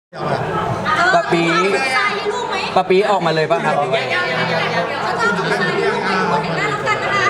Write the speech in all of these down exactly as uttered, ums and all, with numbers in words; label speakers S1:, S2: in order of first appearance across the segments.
S1: ปะปี
S2: ทรายให้ลูกไหม
S1: ปะปีออกมาเลยป่ะครับ
S2: เขาจะเอาทรายให้ลูกไหมคนเห็นหน้ารักกันนะคะ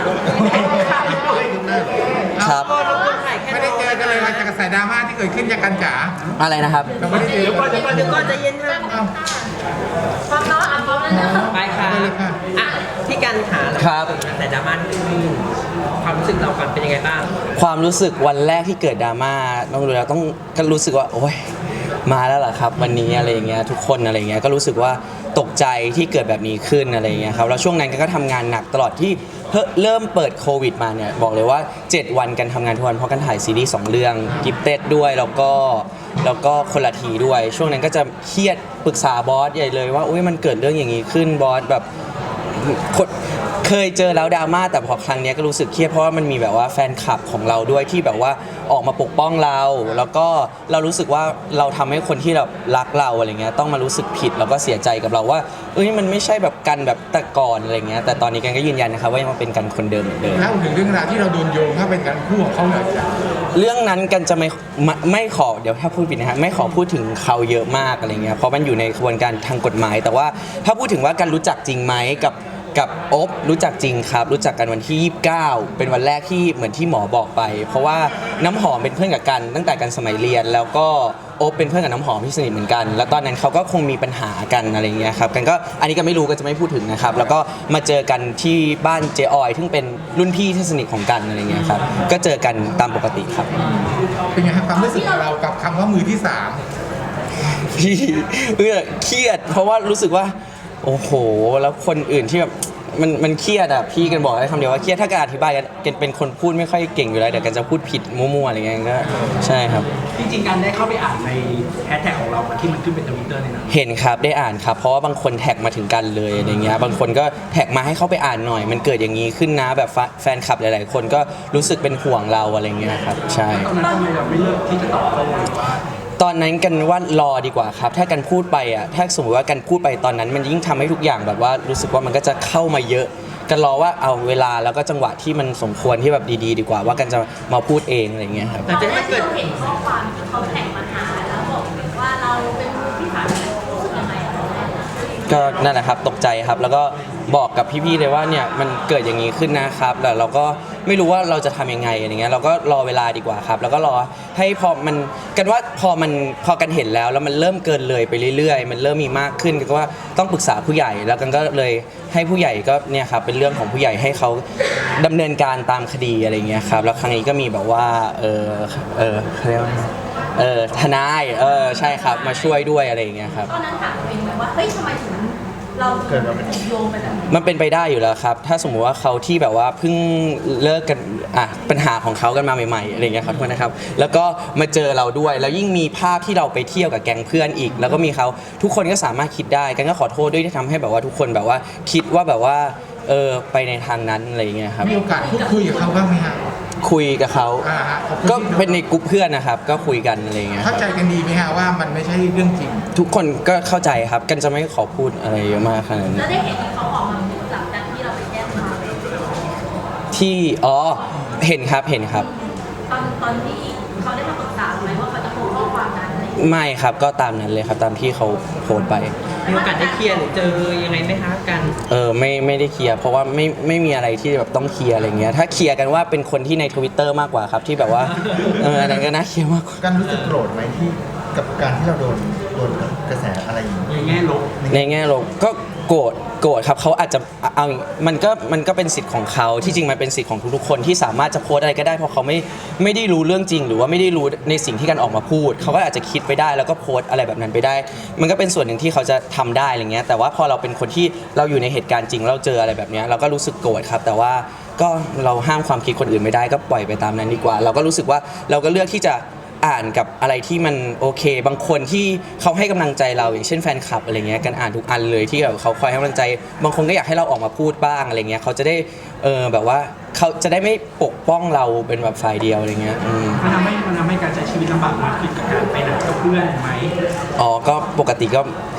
S1: ครับ
S3: ไม่ได้เจอกันเลยมาจากกระแสดราม่าที่เกิดขึ้นจากกันจ๋า
S1: อะไรนะครับ
S3: เราไม่ได้เจอ
S4: เดี๋ยวก่อนเดี๋ยวก่อนเดี๋ยวก่อนใจเย็นค่ะ
S3: เอ้า
S2: ฟังเนาะอ่ะพร้อมแล้วนะ
S4: ไปค่ะ
S3: ไปเลยค่ะ
S4: อ่ะพี่กันขา
S1: ครับ
S4: แต่ดราม่าที่มีความรู้สึกเรากันเป็นยังไงบ้าง
S1: ความรู้สึกวันแรกที่เกิดดราม่าต้องรู้แล้วต้องก็รู้สึกว่าโอ้ยมาแล้วเหรอครับวันนี้อะไรอย่างเงี้ยทุกคนอะไรอย่างเงี้ยก็รู้สึกว่าตกใจที่เกิดแบบนี้ขึ้นอะไรอย่างเงี้ยครับแล้วช่วงนั้นก็ทำงานหนักตลอดที่เพิ่งเริ่มเปิดโควิดมาเนี่ยบอกเลยว่าเจ็ดวันกันทำงานทุกวันเพราะกันถ่ายซีรีส์สองเรื่องกิฟเต็ดด้วยแล้วก็แล้วก็คนละทีด้วย ช่วงนั้นก็จะเครียดปรึกษาบอสใหญ่เลยว่าอุ้ยมันเกิดเรื่องอย่างนี้ขึ้นบอสแบบ เคยเจอแล้วดราม่าแต่พอครั้งนี้ก็รู้สึกเครียดเพราะว่ามันมีแบบว่าแฟนคลับของเราด้วยที่แบบว่าออกมาปกป้องเรา แล้วก็เรารู้สึกว่าเราทำให้คนที่แบบรักเราอะไรเงี้ยต้องมารู้สึกผิดแล้วก็เสียใจกับเราว่าเอ้ยมันไม่ใช่แบบกันแบบแต่ก่อนอะไรเงี้ยแต่ตอนนี้กันก็ยืนยันนะครับว่ายังมาเป็นกันคนเดิมเหมือนเดิม
S3: เล่าถึงเรื่องราวที่เราโดนโยงถ้าเป็นการคู่ของเขาหน่อยจ้ะ
S1: เรื่องนั้นกันจะไม่ไม่ไม่ขอเดี๋ยวถ้าพูดผิดนะฮะไม่ขอพูดถึงเขาเยอะมากอะไรเงี้ยเพราะมันอยู่ในกระบวนการทางกฎหมาย แต่ว่าถ้าพูดถึงว่ากันรู้จักจริงไหมกับกับโอ๊บรู้จักจริงครับรู้จักกันวันที่ยี่สิบเก้าเป็นวันแรกที่เหมือนที่หมอบอกไป เพราะว่าน้ำหอมเป็นเพื่อนกับกันตั้งแต่กันสมัยเรียน แล้วก็โอ๊บเป็นเพื่อนกับน้ำหอมที่สนิทเหมือนกัน แล้วตอนนั้นเขาก็คงมีปัญหากันอะไรเงี้ยครับกันก็อันนี้ก็ไม่รู้ก็จะไม่พูดถึงนะครับแล้วก็มาเจอกันที่บ้านเจออยซึ่งเป็นรุ่นพี่ที่สนิทของกันอะไรเงี้ยครับก็เจอกันตามปกติครับ
S3: เป็นไงครับความรู้สึกของเรากับคำว่ามือที่สาม
S1: พี่เออเครียดเพราะว่ารู้สึกว่าโอ้โหแล้วคนอื่นที่แบบมันมันเครียดอ่ะพี่กันบอกได้คำเดียวว่าเครียดถ้าการอธิบายกันกันเป็นคนพูดไม่ค่อยเก่งอยู่แล้วเดี๋ยวกันจะพูดผิดมั่วๆอะไรเงี้ยก็ใช่ครับ
S5: จริงๆการได้เข้าไปอ่านในแฮชแท็กของเราที่มันขึ้นเป็นทวิตเตอร์เนี่ยนะ
S1: เห็นครับได้อ่านครับเพราะว่าบางคนแท็กมาถึงกันเลยอะไรเงี้ยบางคนก็แท็กมาให้เขาไปอ่านหน่อย มันเกิดอย่างนี้ขึ้นนะแบบแฟนคลับหลายๆ คนก็รู้สึกเป็นห่วงเราอะไรเงี้ยครับใช่
S5: ตอนนั้นทำไมเราไม่เลือกที่จะตอบโต้หรือว่า
S1: ตอนนั้นกันว่ารอดีกว่าครับ ถ้ากันพูดไปอ่ะถ้าสมมติว่ากันพูดไปตอนนั้น มันยิ่งทำให้ทุกอย่างแบบว่ารู้สึกว่ามันก็จะเข้ามาเยอะกันรอว่าเอาเวลาแล้วก็จังหวะที่มันสมควรที่แบบดีๆ ดีกว่าว่ากันจะมาพูดเองอะไรเงี้ยครับ
S4: หลังจาก
S2: แต่
S4: ที่
S2: ว่า
S4: มัน
S2: ที่
S4: เกิด
S2: เราเห็นข้อความที่เขาแท็กมาหาแล้วบอกว่าเราเป็นมือที่สามรู้สึกยังไงอะ
S1: ก็นั่นแหละครับตกใจครับแล้วก็บอกกับพี่ๆเลยว่าเนี่ยมันเกิดอย่างนี้ขึ้นนะครับแต่เราก็ไม่รู้ว่าเราจะทำยังไงอะไรเงี้ยเราก็รอเวลาดีกว่าครับแล้วก็รอให้พอมันกันว่าพอมันพอกันเห็นแล้วแล้วมันเริ่มเกินเลยไปเรื่อยๆ มันเริ่มมีมากขึ้นก็ว่าต้องปรึกษาผู้ใหญ่แล้วกันก็เลยให้ผู้ใหญ่ก็เนี่ยครับเป็นเรื่องของผู้ใหญ่ให้เขาดำเนินการตามคดีอะไรเงี้ยครับแล้วครั้งนี้ก็มีแบบว่าเออเออเขาเรียกว่าเออทนายเออใช่ครับมาช่วยด้วยอะไรอย่างเงี้ยครับ
S2: ตอนนั้นถามตัวเองไหมว่าเฮ้ยทำไมถึงเราถูกโยงไปแบบนี้
S1: มันเป็นไปได้อยู่แล้วครับ ถ้าสมมุติว่าเขาที่แบบว่าเพิ่งเลิกกันอ่ะปัญหาของเขากันมาใหม่ๆอะไรเงี้ยครับทุกคนนะครับ แล้วก็มาเจอเราด้วย แล้วยิ่งมีภาพที่เราไปเที่ยวกับแก๊งเพื่อนอีก แล้วก็มีเขาทุกคนก็สามารถคิดได้ กันก็ขอโทษด้วยที่ทำให้แบบว่าทุกคนแบบว่าคิดว่าแบบว่าเออไปในทางนั้นอะไรเงี้ยครับ
S3: มีโอกาสพูดคุยกับเขาบ้างไหมฮะ
S1: คุยกับเขา
S3: อ่าฮะขอบคุณ
S1: ก็เป็นในกลุ่มเพื่อนนะครับ ก็คุยกันอะไรเงี้ยค
S3: เข้า
S1: รับ
S3: ใจกันดีไหมฮะว่ามันไม่ใช่เรื่องจริง
S1: ทุกคนก็เข้าใจครับ กันจะไม่ขอพูดอะไรเยอะมากขนาดนั้น
S2: แล้วได้เห็นที่เขาออกมาพูดหลังจากที่เราไปแจ้งความ
S1: ที่อ๋อเห็นครับเห็นครับ
S2: ตอนตอนที่เขาได้มาปรึกษาไหมว่าเขาจะโพสต์ข้อความนั้นอะไรอย่างเงี้ย
S1: ไม่ครับก็ตามนั้นเลยครับตามที่เขาโพสต์ไป
S4: มีโอกาสได้เคลียร์หรือเจอยังไงไหมคะกัน
S1: เออไม่ไม่ได้เคลียร์เพราะว่าไม่ไม่มีอะไรที่แบบต้องเคลียร์อะไรเงี้ยถ้าเคลียร์กันว่าเป็นคนที่ใน Twitter มากกว่าครับที่แบบว่าเอออันนั้นก็น่าเคลียร์มากกว่า
S6: การรู้สึกโกรธไหมที่กับการที่เราโดนโดนกระแสอะไรอย่างนี้
S5: ในแง่ลบ
S1: ในแง่ลบก็โกรธโกรธครับเขาอาจจะเอามันก็มันก็เป็นสิทธิ์ของเขาที่จริงมันเป็นสิทธิ์ของทุกๆคนที่สามารถจะโพสต์อะไรก็ได้เพราะเขาไม่ไม่ได้รู้เรื่องจริง หรือว่าไม่ได้รู้ในสิ่งที่กันออกมาพูดเขาก็อาจจะคิดไปได้แล้วก็โพสต์อะไรแบบนั้นไปได้ มันก็เป็นส่วนหนึ่งที่เขาจะทำได้อะไรเงี้ยแต่ว่าพอเราเป็นคนที่เราอยู่ในเหตุการณ์จริงเราเจออะไรแบบเนี้ยเราก็รู้สึกโกรธครับแต่ว่าก็เราห้ามความคิดคนอื่นไม่ได้ก็ปล่อยไปตามนั้นดีกว่า เราก็รู้สึกว่าเราก็เลือกที่จะอ่านกับอะไรที่มันโอเค บางคนที่เขาให้กำลังใจเราอย่างเช่นแฟนคลับอะไรเงี้ยกันอ่านทุกอันเลยที่แบบเขาคอยให้กำลังใจ บางคนก็อยากให้เราออกมาพูดบ้างอะไรเงี้ยเขาจะได้เออแบบว่าเขาจะได้ไม่ปกป้องเราเป็นแบบฝ่ายเดียวอะไรเงี้ยอืม
S5: มันทำให้มันทำให้การใช้ชีวิตลำบากมากขึ้นกับการไปไหนกับเพื่อนไหม
S1: อ๋อก็ปกติก็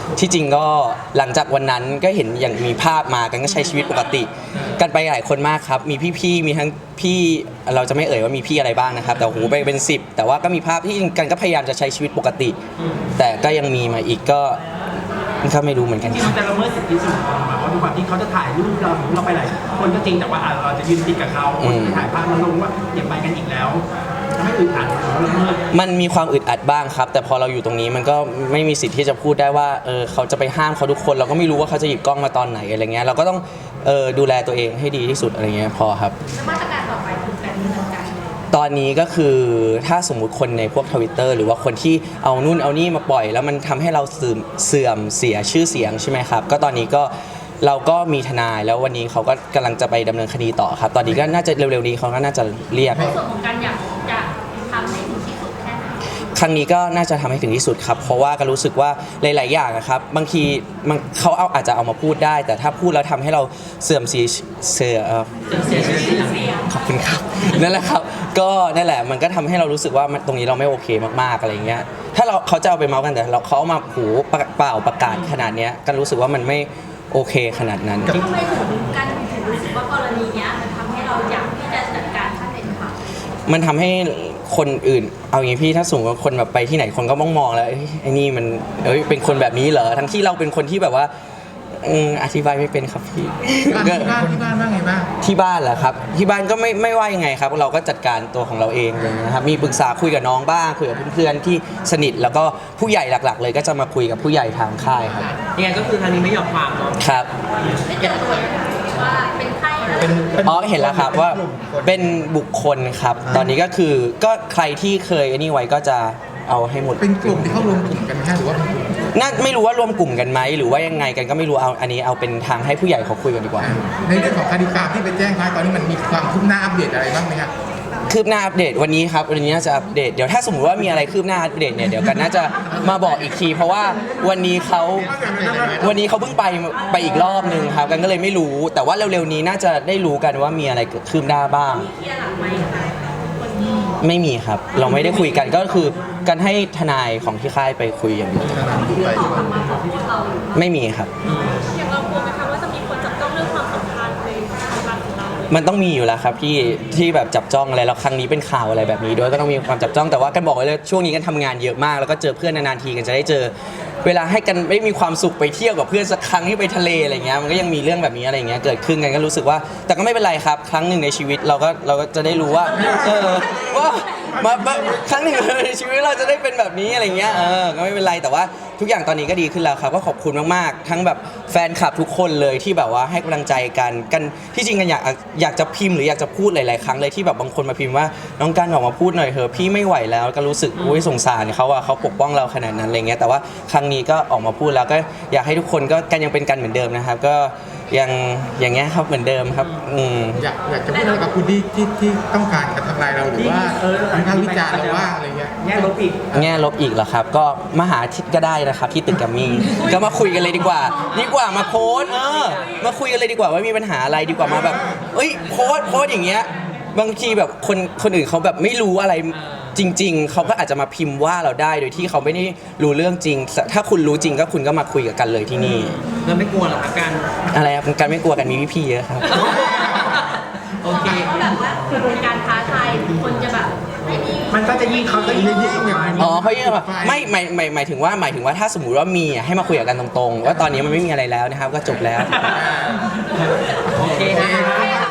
S1: ที่จริงก็หลังจากวันนั้นก็เห็นอย่างมีภาพมากันก็ใช้ชีวิตปกติ กันไปหลายคนมากครับมีพี่ๆมีทั้งพี่เราจะไม่เอ่ยว่ามีพี่อะไรบ้างนะครับแต่โหไปเป็นสิบแต่ว่าก็มีภาพที่จริงกันก็พยายามจะใช้ชีวิตปกติ แต่ก็ยังมีมาอีกก็ก็ไม่รู้เหมือนกัน
S5: ที่
S1: ค
S5: มั
S1: รับ
S5: นจะละเมิดสิทธิส่วนบุคคลมาเพราะทุกวันที่เขาจะถ่ายรูปเราเราไปหลายคนก็จริงแต่ว่าอ่ะเราจะยืนติดกับเขาคนไปถ่ายภาพมาลงว่าอย่าไปกันอีกแล้วทำให้อึดอัดหรือว่าละเมิด
S1: มันมีความอึดอัดบ้างครับ แต่พอเราอยู่ตรงนี้มันก็ไม่มีสิทธิ์ที่จะพูดได้ว่าเออเขาจะไปห้ามเขาทุกคนเราก็ไม่รู้ว่าเขาจะหยิบกล้องมาตอนไหนอะไรเงี้ยเราก็ต้องเออดูแลตัวเองให้ดีที่สุดอะไรเงี้ยพอครับ
S2: แล้วมาตรการต่อไปคือแบบนี้เหมือนกัน
S1: ตอนนี้ก็คือถ้าสมมุติคนในพวกทวิตเตอร์หรือว่าคนที่เอานู่นเอานี่มาปล่อย แล้วมันทำให้เราเสื่อมเสื่อมเสียชื่อเสียงใช่ไหมครับก็ตอนนี้ก็เราก็มีทนายแล้ววันนี้เขาก็กำลังจะไปดำเนินคดีต่อครับ ตอนนี้ก็น่าจะเร็วๆนี้เขาก็น่าจะเรียก
S2: ในส่วนของการอยากจะทำให้ถึงที่สุดแค่ไหน
S1: ครั้งนี้ก็น่าจะทำให้ถึงที่สุดครับ เพราะว่าก็รู้สึกว่าหลาย ๆ อย่างอะครับ บางทีมันเขาเอาอาจจะเอามาพูดได้ แต่ถ้าพูดแล้วทำให้เราเสื่อมเสียเสื่อเอ่อ
S4: เสียชื่อเสียง
S1: ขอบคุณครับ นั่นแหละครับ ก็นั่นแหละมันก็ทำให้เรารู้สึกว่ามันตรงนี้เราไม่โอเคมาก ๆ อะไรเงี้ย ถ้าเราเขาจะเอาไปเมาส์กันแต่เราเขาเอามาหูเปล่าประกาศขนาดเนี้ยก็รู้สึกว่ามันไม่โอเคขนาดนั้น
S2: ทำไมถึงกันถึงรู้สึกว่ากรณีเนี้ยมันทำให้เราอยากที่จะจัดการขั้นเด็ดขาด
S1: มันทำให้คนอื่นเอาอย่างนี้พี่ถ้าสมมติว่าคนแบบไปที่ไหนคนก็มองมองแล้วเอ้ยไอ้นี่มันเอ้ยเป็นคนแบบนี้เหรอทั้งที่เราเป็นคนที่แบบว่าอืมอธิบายไม่เป็นครับพี่
S3: บ้านที่บ้านที่บ้านว่าไงบ้าง
S1: ที่บ้านเหรอครับที่บ้านก็ไม่ไม่ว่ายังไงครับ เราก็จัดการตัวของเราเองเลยนะครับมีปรึกษาคุยกับน้องบ้างคุยกับเพื่อนๆที่สนิทแล้วก็ผู้ใหญ่หลักๆ เลยก็จะมาคุยกับผู้ใหญ่ทางค่ายครับ
S4: ยังไงก็คือทางนี้ไม่ยอมความเนาะ
S1: ครับ
S2: ไม่เจอตัวว่าเป็นใครแล้ว
S6: เป็นป็น
S1: อ๋อเห็นแล้วครับว่า
S6: ลุ่มคน
S1: เป็นบุคคลครับ ตอนนี้ก็คือก็ใครที่เคยไอ้นี่ไว้ก็จะเอาให้หมด
S3: เป็นกลุ่มที่เขารวมกลุ่มกันไหมฮะหรือว่าเป็นกลุ่ม
S1: น่าไม่รู้ว่ารวมกลุ่มกันไหมหรือว่ายังไงกันก็ไม่รู้เอาอันนี้เอาเป็นทางให้ผู้ใหญ่เขาคุยกันดีกว่า
S3: ในเรื่องของคดีความที่ไปแจ้งไว้ตอนนี้มันมีความคืบหน้าอัปเดตอะไรบ้างไหมครับ
S1: คืบหน้าอัปเดตวันนี้ครับวันนี้น่าจะอัปเดตเดี๋ยวถ้าสมมติว่ามีอะไรคืบหน้าอัปเดตเนี่ยเดี๋ยวกันน่าจะมาบอกอีกที เพราะว่าวันนี้เขาวันนี้เขาเพิ่งไปไปอีกรอบนึงครับกันก็เลยไม่รู้ แต่ว่าเร็วๆนี้น่าจะได้รู้กันว่ามีอะไรเกิดขึ้นได้บ้าง
S2: เคลียร์หลังไหมคะคนที่
S1: ไม่มีครับ เราไม่ได้คุยกันก็คือกันให้ทนายของที่ค่ายไปคุยอย่างเดียว
S2: ออกมาขอโทษเราหรือเปล่า
S1: ไม่มีครับ
S2: อย่างเรากลัวไหมคะว่าจะมีคนจับจ้องเรื่องความสัมพันธ์ในความสัมพันธ์ของเรา
S1: มันต้องมีอยู่แล้วครับที่ที่แบบจับจ้องอะไรแล้วครั้งนี้เป็นข่าวอะไรแบบนี้ด้วยก็ต้องมีความจับจ้องแต่ว่ากันบอกไว้เลยช่วงนี้กันทำงานเยอะมาก แล้วก็เจอเพื่อนนานๆทีกันจะได้เจอ เวลาให้กันไม่มีความสุขไปเที่ยวกับเพื่อนสักครั้งที่ไปทะเลอะไรเงี้ยมันก็ยังมีเรื่องแบบนี้อะไรเงี้ยเกิดขึ้นกันก็รู้สึกว่า แต่ก็ไม่เป็นไรครับ ครั้งหนึ่งในชีวิตเราก็เราก็จะได้รู้ว่าเออว่ามามาครั้งหนึ่งในชีวิตเราจะได้เป็นแบบนี้อะไรเงี้ยเออก็ไม่เป็นไรแต่ว่าทุกอย่างตอนนี้ก็ดีขึ้นแล้วครับก็ขอบคุณมากๆทั้งแบบแฟนคลับทุกคนเลยที่แบบว่าให้กำลังใจกันกันที่จริงกันอยากอยากจะพิมพ์หรืออยากจะพูดหลายๆครั้งเลยที่แบบบางคนมาพิมพ์ว่าน้องกันออกมาพูดหน่อยเถอะพี่ไม่ไหวแล้วก็รู้สึกอุ้ยสงสารเขาอะเขาปกป้องเราขนาดนั้นอะไรเงี้ยแต่ว่าครั้งนี้ก็ออกมาพูดแล้วก็อยากให้ทุกคนก็กันยังเป็นกันเหมือนเดิมนะครับ ก็ยังอย่างเงี้ยครับเหมือนเดิมครับอืม
S3: อยากอยากจะพูดอะไรกับคุณที่ที่ที่ต้องการกระทำลายเราหรือว่า
S5: เออ
S3: วิพากษ์วิจารณ์เราว่าอะไรเงี้ย
S5: แง่ลบอีก
S1: แง่ลบอีกเหรอครับ ก็มาหาทิศก็ได้นะครับที่ตึกแกัมมี่ก็มาคุยกันเลยดีกว่า ดีกว่ามาโพสต์เออมาคุยกันเลยดีกว่าว่ามีปัญหาอะไรดีกว่ามาแบบ เอ้ยโพสต์โพสต์อย่างเงี้ยบางทีแบบคนคนอื่นเขาแบบไม่รู้อะไรจริง ๆเขาก็อาจจะมาพิมพ์ว่าเราได้โดยที่เขาไม่ได้รู้เรื่องจริง ถ้าคุณรู้จริงก็คุณก็มาคุยกับกันเลยที่นี่
S4: เราไม่กลัวหรอกครับการ
S1: อะไรครับกันไม่กลัวกันมีพี่ๆเยอะครับ
S4: โอเค
S2: ก็แบบว่าเป็นการท้าทายคนจะแบบไอ้นี่
S5: มันก็จะยิ่งเขาก็ยิ่งยิ่งอย่างนี้
S1: อ๋อเขาเรียกว่าไม่หมายหมายหมายถึงว่าหมายถึงว่าถ้าสมมุติว่ามีอ่ะให้มาคุยกันตรงๆ ว่าตอนนี้มันไม่มีอะไรแล้วนะครับ ก็จบแล้ว
S4: โอเคนะคะ